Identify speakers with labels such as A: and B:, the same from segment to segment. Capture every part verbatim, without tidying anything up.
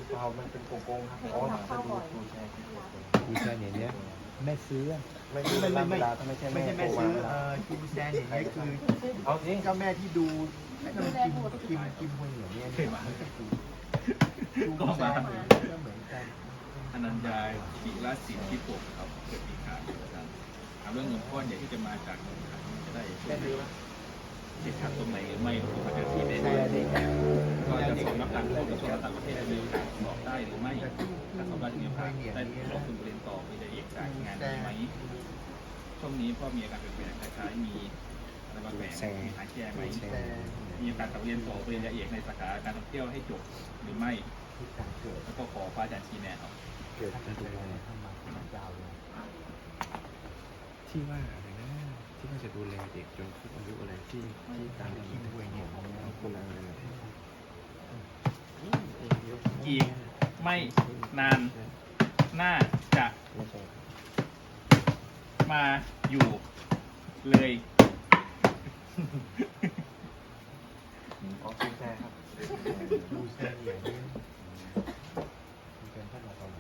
A: เปล่ามันเป็นโกโก้ครับอ๋อจะดูดูแชร์
B: ดูแชร์เนี่ยเนี้ยแม่ซื้อ
A: ไม่ไม่ไม่ไม่ไม่ใช่
B: ไม่ใช่แม่ซื้อเอ่อคิมแซนเนี่ยนี่คือ
A: เอาจริง
B: เจ้าแม่ที่ดูคิมคิมคิมคนเหนือเนี่ยเนี่ยดูแซนก็เหมือนกัน
C: อนัญญาศิรศิลป์ที่ปกครับเกิดปีขานนะครับถามเรื่องเงินก้อนใหญ่ที่จะมาจากเงินขันจะได้ช่วยติดขัดตรงไหนหรือไม่หรือประเทศที่ได้ก็จะส่งนักการทูตกระทรวงต่างประเทศมีบอกได้หรือไม่ถ้าสมราชมีโอกาสได้ลงทุนเรียนต่อมีได้เอกจากงานไหมช่วงนี้พ่อมีอาการเปลี่ยนแปลงคล้ายๆมีอะไรบางแบบมีหายแก้ไหมมีโอกาสกลับเรียนต่อปริญญาเอกในสาขาการท่องเที่ยวให้จบหรือไม่แล้วก็ขอพระอาจารย์ชี้แนะครับ
B: เกิดจะดูแลเข้ามาเป็นยาวเลยที่ว่าอะไรนะที่ว่าจะดูแลเด็กจนครบอายุอะไรที่ที่ตามที่ด้วยเนี่ยของคนอะไร
C: อีกไม่นานน่าจะมาอยู่เลย
A: ขอคุณแชร์ครับ
B: ดูแซนเนี่ยนี่เป็นท่านมาตอนไหน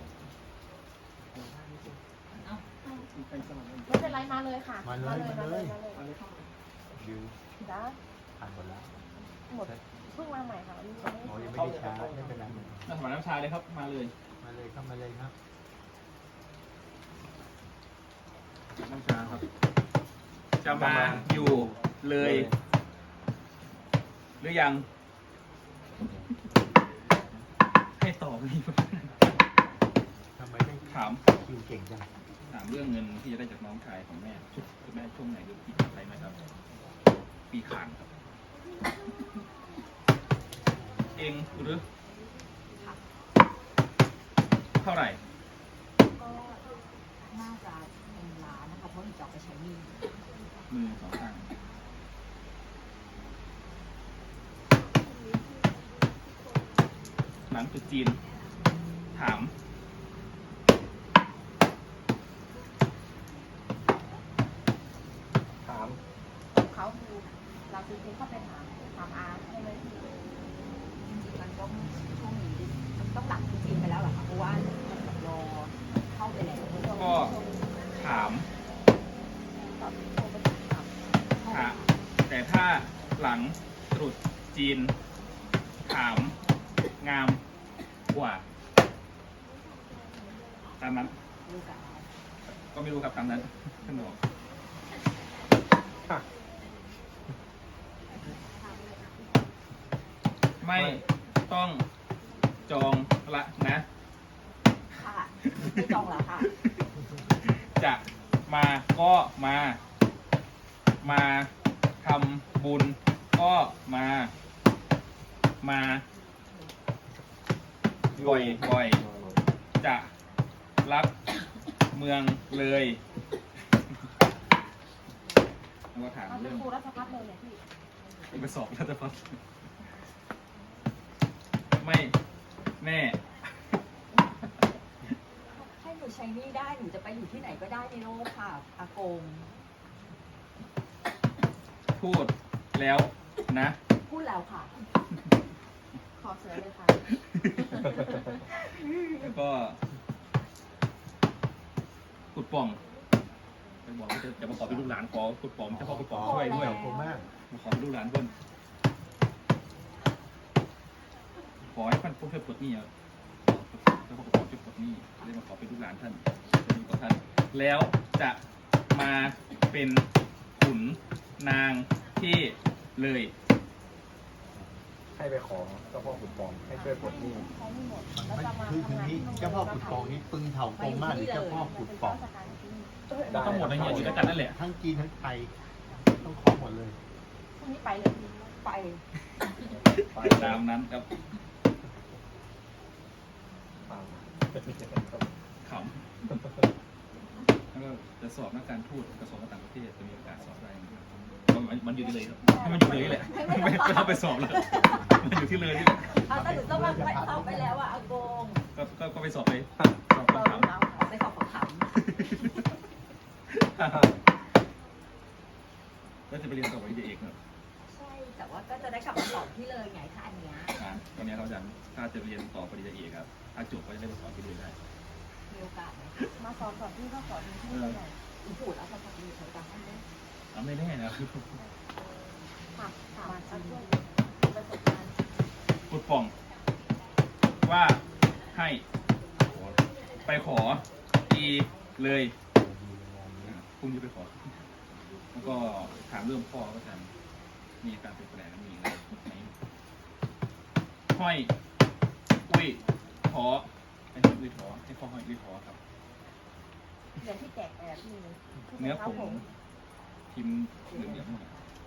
D: ไม่เป็นไรมาเลยค่ะ
B: มาเลยมาเลย
D: มาเลย
B: ดิว
D: จ้า
B: ผ่านหมดแล้ว
D: หมดเพิ่งมาใหม่ค่ะวันนี้
B: หมอยังไม่ได้ช้าไม่เป็นไร
C: น้ำสมานน้ำชาเลยครับมาเลย
B: มาเลยเข้ามาเลยครับ
C: น้ำชาครับ จะมาอยู่เลย หรือยัง ให้ตอบนี่
B: ทำไมได้
C: ถาม
B: คิวเก่งจัง
C: ถามเรื่องเงินที่จะได้จากน้องชายของแม่ชุดคุณแม่ช่วงไหนหรือปีอะไรไหมครับ ปีขานครับ เองหรือเท่าไหร่
E: ก็น่าจะเป็นล้านนะคะเพราะหนูจะเอาไปใช้หนี้
C: มือสองข้างหลังจุดจีน ถาม
A: ถาม
D: เขาดูเราจริงๆเข้าไปถามถามอาใช่ไหมพี่
E: จริงๆมันก็ช่วงนี้มันต้องหลังจริงๆไปแล้วเหรอคะเพราะว่ามันแบบรอเข้าไปแล้ว
C: ก็ถาม
D: ตอบโทรไปถาม
C: ถามแต่ถ้าหลังตรุษจีน ถาม งามกว่าตามนั้น
E: ลูกสาว
C: ก็ไม่รู้ครับตามนั้นท่านบอก
A: ค่ะ
C: ไม่ต้องจองละนะ
E: ค่ะไม่จองแล้วค่ะ
C: จะมาก็มา มาทำบุญก็มา มาบ่อยบ่อยๆจะรักเมืองเลยแล้วก็ถาม
D: เอาเป็
C: เรื่
D: น
C: อง
D: ครูรัชพัฒน์เลยเนี่ยพี่
C: ไปสอบรัฐพัฒน์ไม่แน่
E: ให้หนูใช้หนี้ได้หนูจะไปอยู่ที่ไหนก็ได้ในโลกค่ะอากง
C: พูดแล้วนะ
E: พูดแล้วค่ะ
D: ขอเสือเลยค่ะ
C: แล้วก็ขุดป่องไปบอกว่าจะจะมาขอเป็นลูกหลานขอขุดป่องเจ้าพ่อขุดป่องช่วยด้วย
B: ขอบคุณมาก
C: มาขอเป็นลูกหลานเพิ่นขอให้ท่านผู้ช่วยปลดหนี้อ่ะเจ้าพ่อขุดป่องช่วยปลดหนี้เลยมาขอเป็นลูกหลานท่านจะอยู่กับท่าน แล้วจะมาเป็นขุนนางที่เลย
A: ให้ไปขอเจ้าพ่อขุนปองให้ช่วยปลดหนี้
D: ใช้ไม่หมดแล้ว
B: มัน
D: จะมา
B: คือ
D: ทำงาน
B: นี้
D: ที่
B: เจ้าพ่อขุดปองนี่ปึงเถากงมากหรือเจ้าพ่อขุดปอง
D: ราชการที่นี่
C: ทั้งหมดในเฮียอยู่ด้วยกันนั่นแหละ
B: ทั้งจีนทั้งไทยต้องขอหมดเลย
D: พรุ่งนี้ไปเลยพี่
E: ไป
A: ไป
C: ตามนั้นครับ
A: ตาม
C: ขำแล้วก็จะสอบนักการทูตกระทรวงการต่างประเทศจะมีโอกาสสอบได้นะครับมันมันอยู่ที่เลยครับให้มันอยู่เลยแหละไม่ไม่ต้องไปสอบเลยมันอยู่ที่เลยนี่แหละ
E: เอาแต่หนูต้องมาไปเอาไปแล้วอะอากง
C: ก็ก็ก็ไปสอบไปสอบ
D: เออ
C: คำถาม
D: เราค่ะ
E: ไปสอบขำ
C: แล้วจะไปเรียนต่อปริญญาเอกครับ
E: ๆใช่แต่ว่าก็จะได้กลับมาสอบที่เลยไงคะอันเนี้ย
C: อ่าตอนนี้เขาอาจารย์ถ้าจะเรียนต่อปริญญาเอกอีกครับ ถ้าจบก็จะได้ไปสอนที่อื่นได้
E: มีโอกาสไหม
D: มาสอนก่อนที่ก็สอนที่นี่หน่อย
E: อีพูดแล้วเขาจะมีใครตามให้ไหม
C: เอาไม่แน่นะคือ
D: ถามถามมาช่วยประสบการณ์
C: ปุดป่อง ว่าให้ไปขออีเลยพรุ่งนี้ไปขอ แล้วก็ถามเรื่องพ่อก็จะมีการเปลี่ยนแปลงมีอะไรไหมห้อยอุ้ยขอให้ห้อยอุ้ยขอให้พ่อห้อยอุ้ยขอครับ
D: เรียนที่แจกแอบมี
C: เนื้อผงพิมพ์เหลืองเหลือง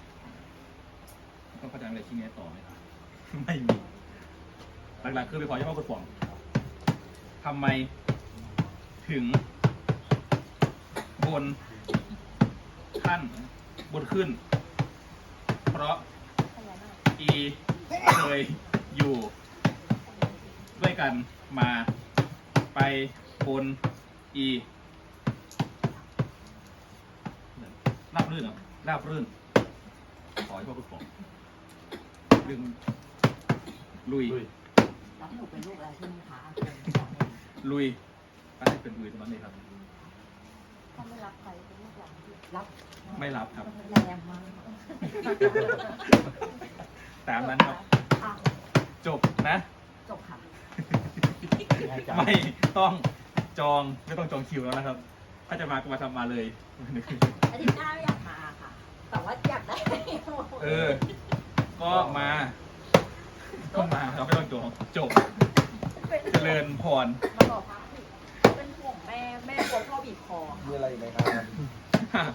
C: ต้องเข้าใจอะไรที่นี้ต่อไหมครับ ไม่มี หลักๆคือไปขอเฉพาะกดป่องทำไมถึง บนขั้นบนขึ้น เพราะ
D: พญานาค
C: อีเคยอยู่ ด้วยกันมาไปบนอีราบรื่นเหรอราบรื่น ขอให้พ่อคุณบอกเรื่องลุย
E: แล้วหนูเป็นลูกอะไรที่มีขา
C: ลุยก็ให้เป็นลุยตรงนั้นเลยครับ
D: ถ้าไม่รับใครเป็นลูกหลานที่
E: รับ
C: ไม่รับครับ
E: แรงมาก
C: ตามนั้นครับ
E: อ่ะ
C: จบนะ
E: จบค่ะ
C: ไม่ต้องจองไม่ต้องจองคิวแล้วนะครับ ถ้าจะมาก็มาทำมาเลย
E: อาทิตย์หน้าไม่อยากมาค่ะ แต่ว่าอยากได้
C: เออ ก็มา ก็มาเราไม่ต้องจองจบ เจริญพร
E: มาบอกพักผิดเป็นห่วงแม่แม่กลัวพ่อบีบคอ
A: มีอะไรอีกไหมครับ